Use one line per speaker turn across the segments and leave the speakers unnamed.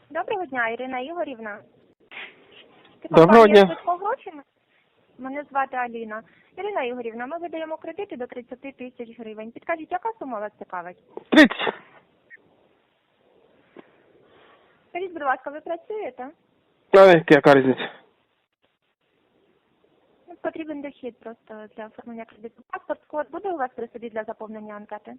Доброго дня, Ірина Ігорівна.
Доброго дня.
Швидко гроші? Мене звати Аліна. Ірина Ігорівна, ми видаємо кредити до 30 тисяч гривень. Підкажіть, яка сума вас цікавить?
30.
Скажіть, будь ласка, ви працюєте?
Яка різниця?
Потрібен дохід просто для оформлення кредиту. Паспорт, код буде у вас при собі для заповнення анкети?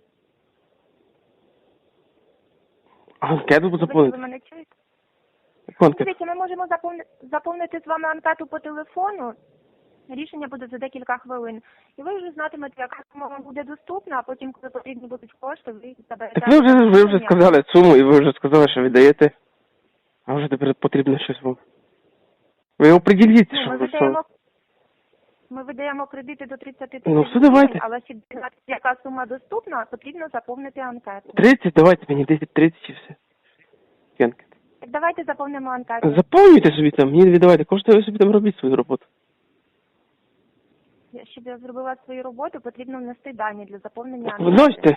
Анкету
Ви
заповнити?
мене чуєте?
Яку анкету?
Дивіться, ми можемо заповнити з вами анкету по телефону. Рішення буде за декілька хвилин. І ви вже знатимете, яка сума вам буде доступна, а потім, коли потрібні будуть кошти, ви заберете.
Так ви вже сказали суму і ви вже сказали, що віддаєте. А вже тепер потрібно щось вам. Ви определіться, що.
Ми видаємо кредити до 30 тисяч
Ну, все,
гривень,
давайте.
але щоб дізнатися, яка сума доступна, потрібно заповнити анкету.
30, давайте мені 10-30 і все. Анкет.
Так давайте заповнимо анкету.
Заповнюйте собі там, мені не віддавайте кошти, ви собі там робіть свою роботу.
Щоб я зробила свою роботу, потрібно внести дані для заповнення анкети.
Вносите.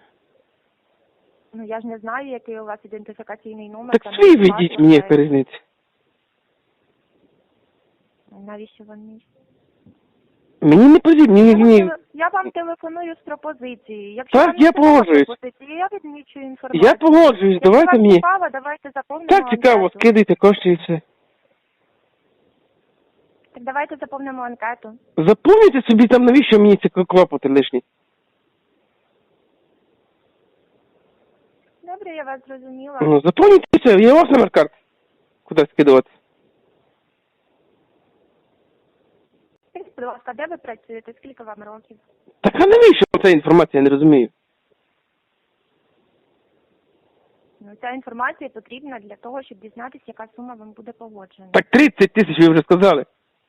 Ну, я ж не знаю, який у вас ідентифікаційний номер.
Так
там,
свій
паспорт,
ведіть мені, яка різниця.
Навіщо вам мій?
Мені не потрібно, ні.
Я вам телефоную з пропозицією. Якщо
Так,
вам не
я
цікава
погоджуюсь.
пропозиція, я відмічую інформацію.
Я погоджуюсь,
Якщо
давайте
вам
мені.
цікаво, давайте заповнимо
Так цікаво,
анкету.
скидайте кошти і все.
Так давайте заповнимо анкету.
Заповнюйте собі там, навіщо мені ці клопоти лишні?
Добре, я вас зрозуміла.
Ну, заповнюйте все, є у вас номер карти. Куди скидувати?
Скажіть, будь ласка, де ви працюєте? Скільки вам років?
Так а навіщо ця інформація, я не розумію.
Ну, ця інформація потрібна для того, щоб дізнатися, яка сума вам буде погоджена.
Так 30 тисяч ви вже сказали.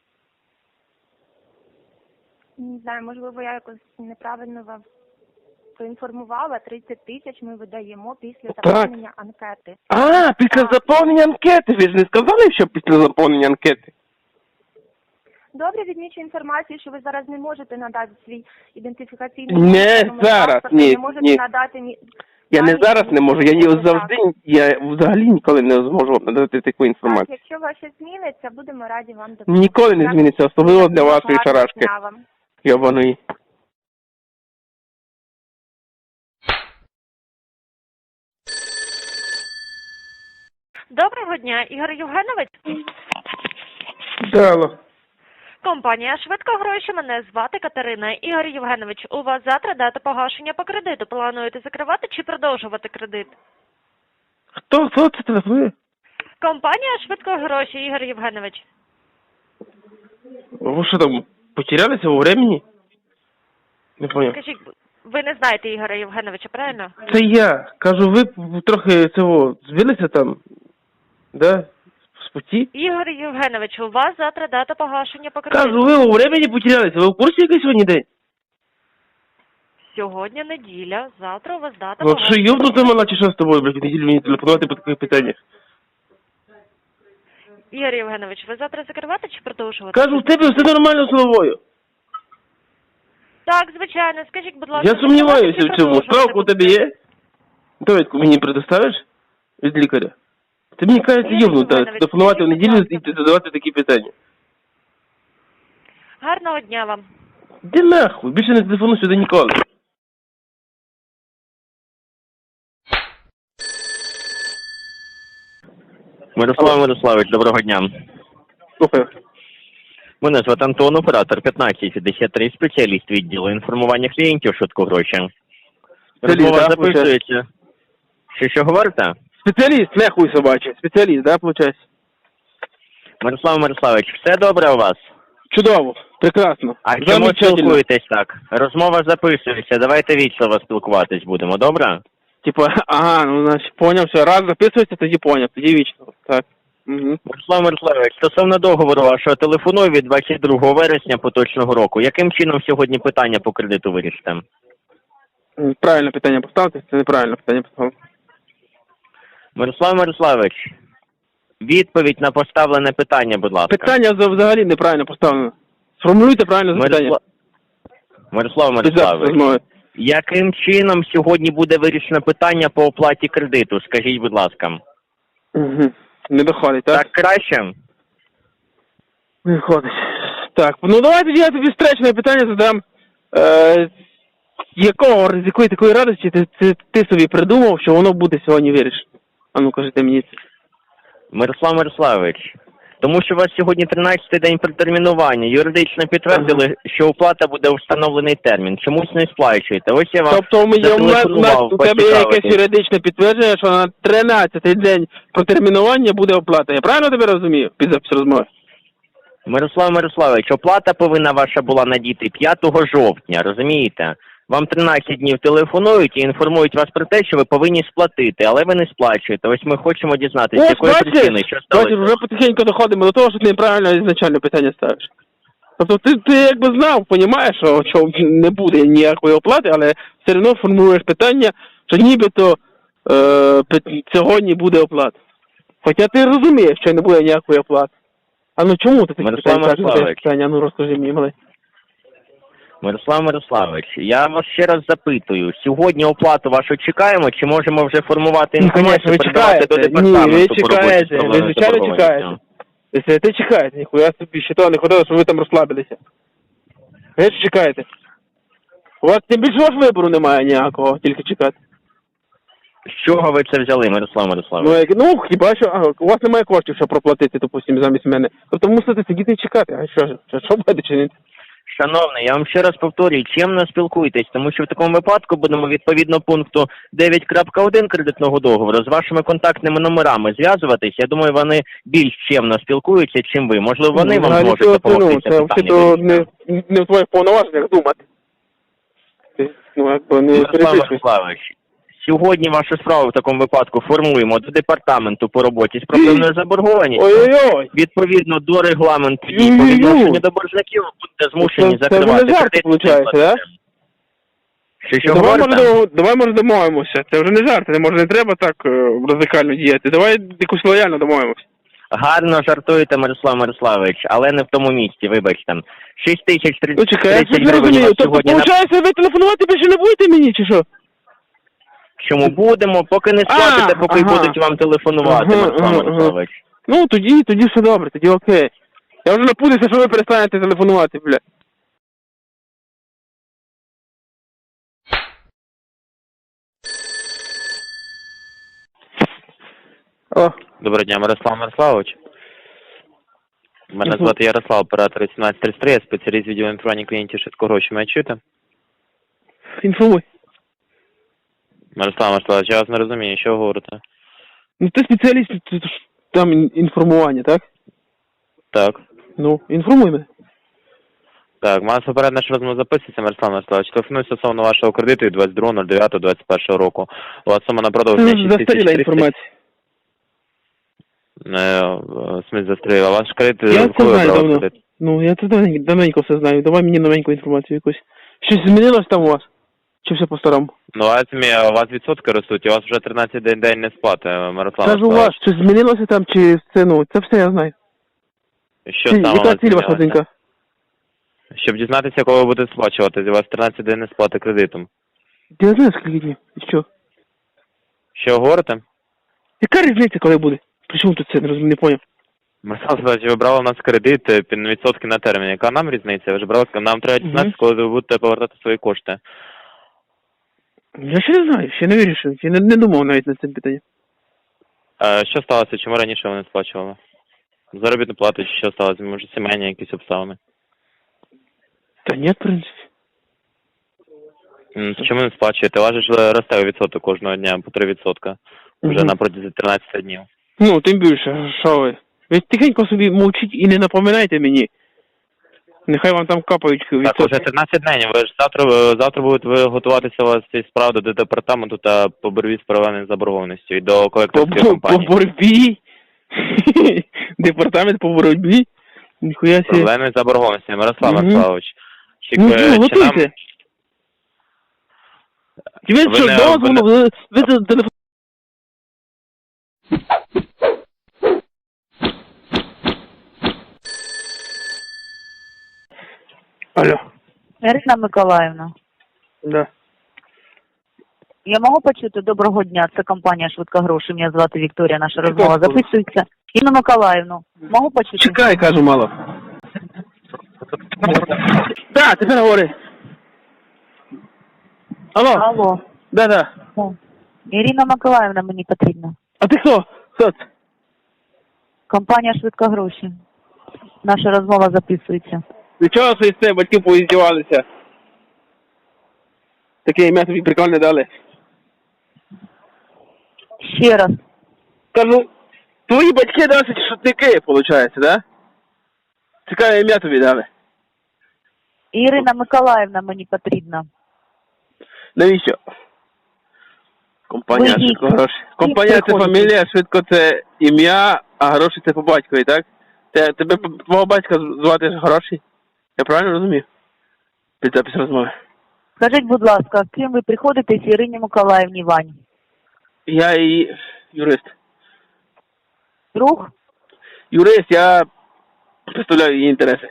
Не знаю, можливо, я якось неправильно вас поінформувала. 30 тисяч ми видаємо після
Так.
заповнення анкети.
А, після
Так.
заповнення анкети. Ви ж не сказали, що після заповнення анкети?
Добре, відмічу інформацію, що ви зараз не можете надати свій ідентифікаційний
Не,
номер
зараз,
паспорта,
ні,
не можете
ні.
надати ні.
Я не
дані
зараз не можу, я її
Так.
завжди, я взагалі ніколи не зможу вам надати таку
Так,
інформацію.
якщо ваше зміниться, будемо раді вам допомогти.
Ніколи не зміниться, особливо для вашої шарашки.
Дня вам.
Йобаної.
Доброго дня, Ігор Євгенович.
Дало.
Компанія «Швидко гроші», мене звати Катерина. Ігор Євгенович, у вас завтра дата погашення по кредиту. Плануєте закривати чи продовжувати кредит?
Хто це телефонує?
Компанія «Швидко гроші», Ігор Євгенович.
Ви що там, потерялися во времени? Не поняв.
Скажіть, ви не знаєте Ігоря Євгеновича, правильно?
Це я. Кажу, ви трохи цього збилися там? Да? З путі?
Ігор Євгенович, у вас завтра дата погашення по кредиту.
Кажу, ви во времени потерялися. Ви в курсі, який сьогодні день?
Сьогодні неділя, завтра у вас дата
Ну, що
погашення.
йобнути мене чи що з тобою, блядь, неділю мені телефонувати по таких питаннях?
Ігор Євгенович, ви завтра закривати чи продовжувати?
Кажу, в тебе все нормально з головою.
Так, звичайно. Скажіть, будь ласка,
Я сумніваюся
закривати
в
чи
цьому.
продовжувати
Справку у тебе
будете?
є? Довідку мені предоставиш від лікаря? Ти мені кажеться
Ігор
йобнута,
Іванович,
телефонувати в
скажіть,
неділю
будь ласка.
і задавати такі питання.
Гарного дня вам.
Де нахуй? Більше не телефону сюди ніколи.
Мирослав Мирославович, доброго дня.
Слухаю.
Мене звати Антон, оператор 1553, спеціаліст відділу інформування клієнтів «Швидко гроші». Розмова
да,
записується. Що говорите?
Спеціаліст, не хуй собачий. Спеціаліст, да, виходить?
Мирослав Мирославович, все добре у вас?
Чудово, прекрасно.
А чому
Замечательно.
спілкуєтесь так? Розмова записується, давайте вічливо спілкуватись будемо, добре?
Типа, ага, ну, значить, поняв, все, раз записується, тоді поняв, тоді вічно. Так. Угу.
Мирослав Мирославович, стосовно договору вашого телефону від 22 вересня поточного року, яким чином сьогодні питання по кредиту вирішите?
Правильне питання поставте, це неправильне питання поставте.
Мирослав Мирославович, відповідь на поставлене питання, будь ласка.
Питання взагалі неправильно поставлено. Сформулюйте правильно запитання.
Мирослав
Під запис
Мирославович,
розмови.
яким чином сьогодні буде вирішено питання по оплаті кредиту? Скажіть, будь ласка.
Угу. Не доходить, так?
Так краще?
Не доходить. Так, ну давай тоді я тобі встречне питання задам. З якої такої радості ти собі придумав, що воно буде сьогодні вирішено? А ну кажи ти мені це.
Мирослав Мирославович, тому що у вас сьогодні 13-й день протермінування. Юридично підтвердили, що оплата буде у встановлений термін. Чомусь не сплачуєте. Ось я вам
Тобто
зателефонував,
у тебе є якесь
поцікавитись.
юридичне підтвердження, що на 13-й день протермінування буде оплата. Я правильно тебе розумію під запис розмови?
Мирослав Мирославович, оплата повинна ваша була надійти 5 жовтня, розумієте? Вам 13 днів телефонують і інформують вас про те, що ви повинні сплатити, але ви не сплачуєте. Ось ми хочемо дізнатися, з якої причини, що сталося.
Бачиш, вже потихеньку доходимо до того, що ти неправильно ізначально питання ставиш. Тобто ти якби знав, розумієш, що не буде ніякої оплати, але все одно формулюєш питання, що нібито сьогодні буде оплата. Хоча ти розумієш, що не буде ніякої оплати. А ну чому ти такі питання? Ну розкажи мені, малий.
Мирослав Мирославович, я вас ще раз запитую, сьогодні оплату вашу чекаємо, чи можемо вже формувати інформацію, передавати до департаменту?
Ні, ви чекаєте, ви звичайно чекаєте. Ви чекаєте, ніхуя собі ще того не ходило, що ви там розслабилися. Ви ж чекаєте. У вас тим більше ваш вибору немає ніякого, тільки чекати.
З чого ви це взяли, Мирослав Мирославович?
Ну, хіба що, у вас немає коштів, щоб проплатити, допустим, замість мене. Тобто мусите сидіти і чекати, а що будете чинити?
Шановний, я вам ще раз повторюю, чемно спілкуйтесь, тому що в такому випадку будемо відповідно пункту 9.1 кредитного договору з вашими контактними номерами зв'язуватись. Я думаю, вони більш чемно спілкуються, чим ви. Можливо, вони вам зможуть допомогти.
Це взагалі не в твоїх повноваженнях думати.
Мирослав Мирославович, сьогодні вашу справу в такому випадку формуємо до департаменту по роботі з проблемною заборгованістю.
Ой-ой-ой!
Відповідно до регламенту дій по відношенню до боржників будете змушені закривати кредит.
Так?
Що говорите?
Давай, може, домовимося. Це вже не жарти, може не треба так радикально діяти. Давай якось лояльно домовимося.
Гарно жартуєте, Мирослав Мирославович, але не в тому місці, вибачте. 6030
Ну чекай, я не розумію. Тобто, виходить, ви телефонувати більше не будете мені, чи що?
Чому будемо? Поки не сплатите, поки будуть вам телефонувати, Мирослав Мирославович.
Ну, тоді все добре, тоді окей. Я вже напудився, що ви перестанете телефонувати, бля. О.
Доброго дня, Мирослав Мирославович. Мене звати Ярослав, оператор 1833, я спеціаліст відділу інформування клієнтів швидкого гроші. Мене чуєте?
Інформуй.
Мирослав Мирославович, я вас не розумію, що ви говорите?
Ну ти спеціаліст там інформування, так?
Так.
Ну, інформуй мене.
Так, у нас попередня наша розмова записується, Мирослав Мирославович. Телефоную стосовно вашого кредиту від 22.09.21 року. У вас сума на продовження 6300.
Застаріла інформація.
В смысле застрілила. Ваш кредит...
Я це знаю давно. Кредит? Ну, я це давненько все знаю. Давай мені новеньку інформацію якусь. Щось змінилось там у вас? Чи все по-старому?
Ну, у вас відсотки ростуть, у вас вже 13 день не сплати, Мирослав
Кажу, у вас щось змінилося там, чи це, ну, це все я знаю.
Що саме у вас
яка ціль ваша дзвінка?
Щоб дізнатися, коли ви будете сплачувати. У вас 13 день не сплати кредитом.
Я знаю, скільки днів. І що?
Що говорите?
Яка різниця, коли буде? При чому тут це? Не поняв.
Мирослав Мирославович, ви брали у нас кредит під відсотки на термін. Яка нам різниця? Ви ж брали, нам треба дізнатися, коли ви будете повертати свої кошти.
Я ще не знаю, ще не вирішив. Я не думав навіть над цим питанням.
Що сталося? Чому раніше ви не сплачували? Заробітну плату, що сталося? Може, сімейні якісь обставини?
Та ні, в принципі.
Чому не сплачуєте? У вас ж росте відсоток кожного дня по 3%. Вже на протязі 13 днів.
Ну, тим більше, що ви? Ви тихенько собі мовчіть і не напоминайте мені. Нехай вам там капають відсотки.
Так, уже 13 днів. Ви ж завтра будете готуватися у вас ці справи до департаменту та по боротьбі з проблемною заборгованістю і до колекторської компанії.
По боротьбі? Департамент по боротьбі? Ніхуя себе.
Проблемної заборгованості, Мирослав Мирославович.
Готуйте. Ви що, дозволу? Ви телефон... Алло.
Ирина Миколаївна.
Да.
Я можу почути? Доброго дня, це компанія «Швидка гроші». Мене звати Вікторія, наша розмова
Чекай,
записується. Інна Миколаївну, можу почути?
Чекай, кажу, мало. Да, тепер говори. Алло.
Алло.
Да.
О, Ірина Миколаївна мені потрібна.
А ти хто? Хто це?
Компанія «Швидка гроші». Наша розмова записується.
Від чого стоїте, батьки поіздівалися? Таке ім'я тобі прикольне дали.
Ще раз.
Кажу, твої батьки досить шутники, виходить, да? Цікаве ім'я тобі дали.
Ірина Миколаївна мені потрібна.
Навіщо? Компанія
Ви
швидко
їдьте.
гроші. Компанія це
приходите.
фамілія, швидко це ім'я, а гроші це по батькові, так? Тебе твого батька звати ж гроші? Я правильно розумію? Під запис розмови.
Скажіть, будь ласка, ким ви приходитесь Ірині Миколаївні Вань?
Я і юрист.
Друг?
Юрист, я представляю її інтереси.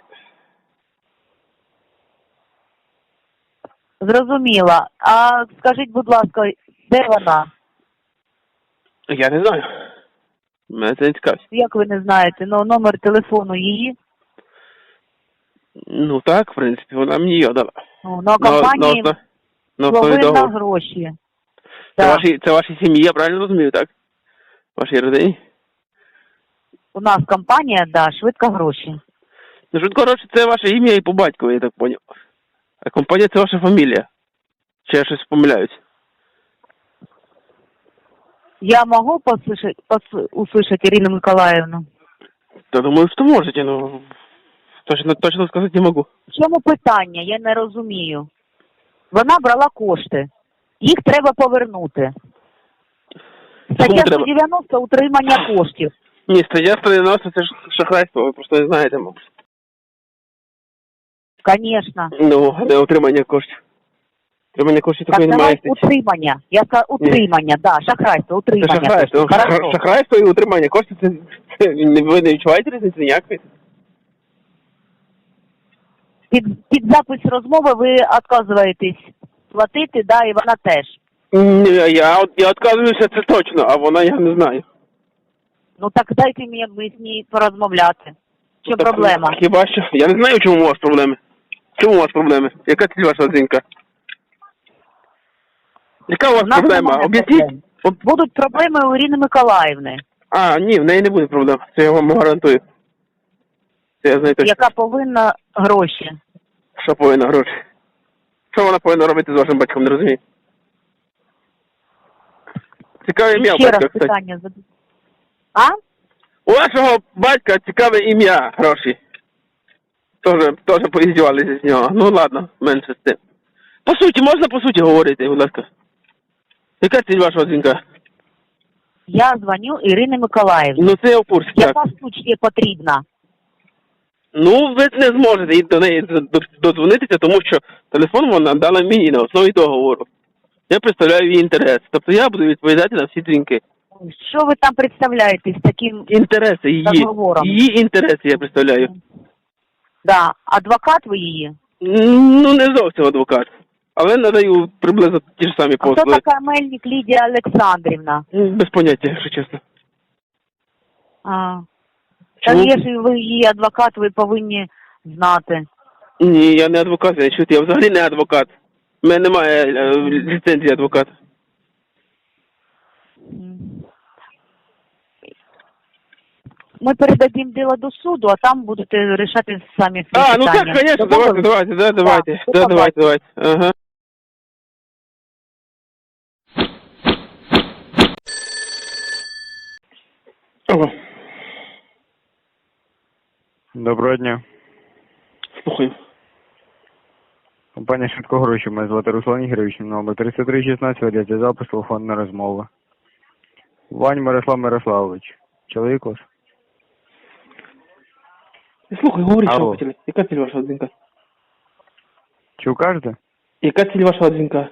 Зрозуміла. А скажіть, будь ласка, де вона?
Я не знаю. Мене це не цікавить.
Як ви не знаєте? Ну, номер телефону її?
Ну так, в принципі, вона мені її дала.
Ну, на компанії
на основі
«Словинна
договору.
гроші».
Це
Так.
це вашій сім'ї, я правильно розумію, так? Вашій родині?
У нас компанія, да, «Швидка гроші».
Ну, швидко гроші, це ваше ім'я і по батькові, я так поняв. А компанія це ваша фамілія. Чи я щось помиляюсь?
Я можу услышать Ирину Миколаївну?
Та думаю, що можете, ну точно сказати не можу.
В чому питання? Я не розумію. Вона брала кошти. Їх треба повернути. Стаття
Кому треба?
190 – утримання коштів.
Ні, стаття 190 це ж шахрайство, ви просто не знаєте, мабуть.
Звісно.
Ну, а де отримання коштів? Отримання коштів
Так,
такої немає.
давай утримання. Я сказала утримання, да, шахрайство,
Це
утримання.
шахрайство.
коштів. Хорошо.
Шахрайство і утримання коштів, це ви не відчуваєте різниці ніякої?
Під запис розмови ви відказуєтесь платити, да, і вона теж.
Ні, я відказуюся, це точно, а вона я не знаю.
Ну так дайте мені з нею порозмовляти. Що
Так,
проблема?
Хіба що? Я не знаю, чому у вас проблеми. Чому у вас проблеми? Яка ціль ваша оцінка? Яка у вас
У нас
проблема?
немає
Об'ясніть.
проблем. Будуть проблеми у Ірини Миколаївни,
Ні, в неї не буде проблем. Це я вам гарантую. Це я знаю точно.
яка повинна гроші.
Що повинна гроші? Що вона повинна робити з вашим батьком, не розумію? Цікаве ім'я у
Ще раз
батька, кстати.
питання задаю. А?
У вашого батька цікаве ім'я, гроші. Тоже поіздівалися з нього. Ну ладно, менше з тим. По суті, можна по суті говорити, будь ласка. Яка ціль вашого дзвінка?
Я дзвоню Ірині Миколаївні.
Ну це я в курсі, так.
Яка суть їй потрібна?
Ну, ви не зможете до неї додзвонитися, тому що телефон вона дала мені на основі договору. Я представляю її інтерес. Тобто я буду відповідати на всі дзвінки.
Що ви там представляєте з таким
Інтереси її.
договором?
Її інтереси я представляю.
Да, адвокат ви її?
Ну, не зовсім адвокат. Але надаю приблизно ті ж самі
А хто
послуги.
така Мельник Лідія Олександрівна?
Без поняття, якщо чесно.
Та
Чому?
якщо ви її адвокат, ви повинні знати.
Ні, я не адвокат, я чути. Я взагалі не адвокат. У мене немає ліцензії адвоката.
Ми передадим дело до суду, а там будете рішати самі свої
Ну
питання.
так, конечно,
Домовились?
давайте.
Так,
Давайте. Ага. Алло,
Доброго дня.
слухаю.
Компанія «Швидко гроші». Мене звати Руслан Ігорович, номер 3316, ведеться запис, телефонна розмова. Вань Мирослав Мирославович. Чоловік ваш?
Слухай, говори, що
Алло.
ви хотіли. Яка ціль вашого дзвінка?
Чи укажете?
Яка ціль вашого дзвінка?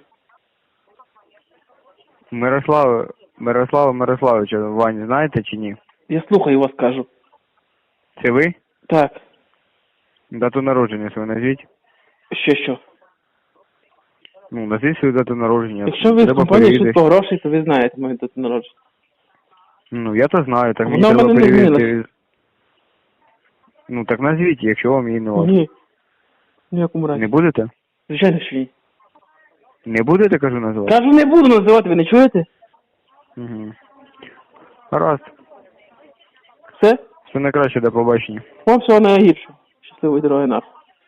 Мирослава Мирославовича Вань знаєте чи ні?
Я слухаю вас, кажу.
Це ви?
Так,
Дату народження свою назвіть.
що?
Ну, назвіть свою дату народження.
Якщо ви з
Треба
компанії
перевірити.
швидко грошей, то ви знаєте мою дату народження.
Ну, я то знаю, так мені
Вона в
треба
мене не
перевірити. Ну, так назвіть, якщо вам її не важко.
Ні. В ніякому разі.
Не будете?
Звичайно, що ні.
Не будете, кажу, називати?
Кажу, не буду називати, ви не чуєте?
Угу. Гаразд.
Все?
Все найкраще, до побачення.
Вам всього найгіршого. Щасливої дороги нас.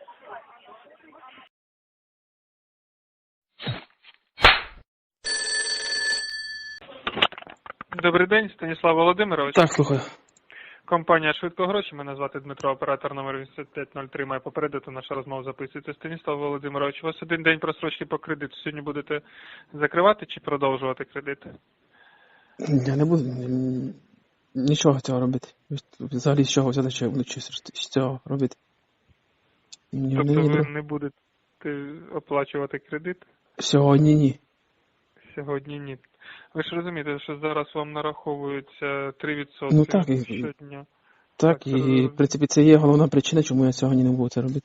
Добрий день, Станіслав Володимирович.
Так, слухаю.
Компанія «Швидко гроші». Мене звати Дмитро, оператор номер 8503. Має попередити, наша розмова записується. Станіслав Володимирович, у вас один день просрочки по кредиту. Сьогодні будете закривати чи продовжувати кредит?
Я не буду нічого цього робити. Взагалі з чого взяти, що я буду з цього робити.
Тобто ви не будете оплачувати кредит?
Сьогодні ні.
Сьогодні ні. Ви ж розумієте, що зараз вам нараховуються 3%
Ну, так,
щодня.
Так, і в принципі це є головна причина, чому я сьогодні не буду це робити.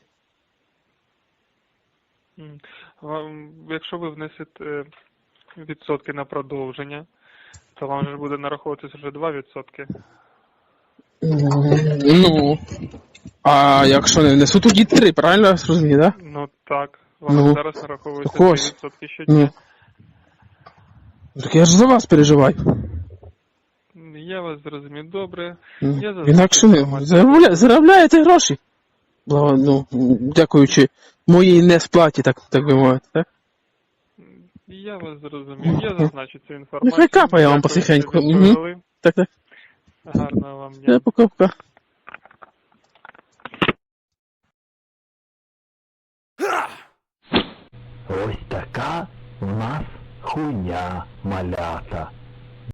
Якщо ви внесете відсотки на продовження, то вам же буде нараховуватися вже 2%.
Ну, а якщо не внесу, тоді 3, правильно я розумію, так?
Ну так, вам
Ну,
зараз нараховується
так ось.
3% щодня.
Так я ж за вас переживаю.
Я вас зрозумів добре.
Ну,
Я за
інакше не. Заробляєте гроші. Дякуючи моїй несплаті, так би мовити, так?
Я вас зрозумів. Я зазначу цю інформацію.
Нехай капає вам
Дякую, що
потихеньку.
відповіли.
Так.
Гарного вам дня.
Я покупка.
Ось така в нас хуйня, малята.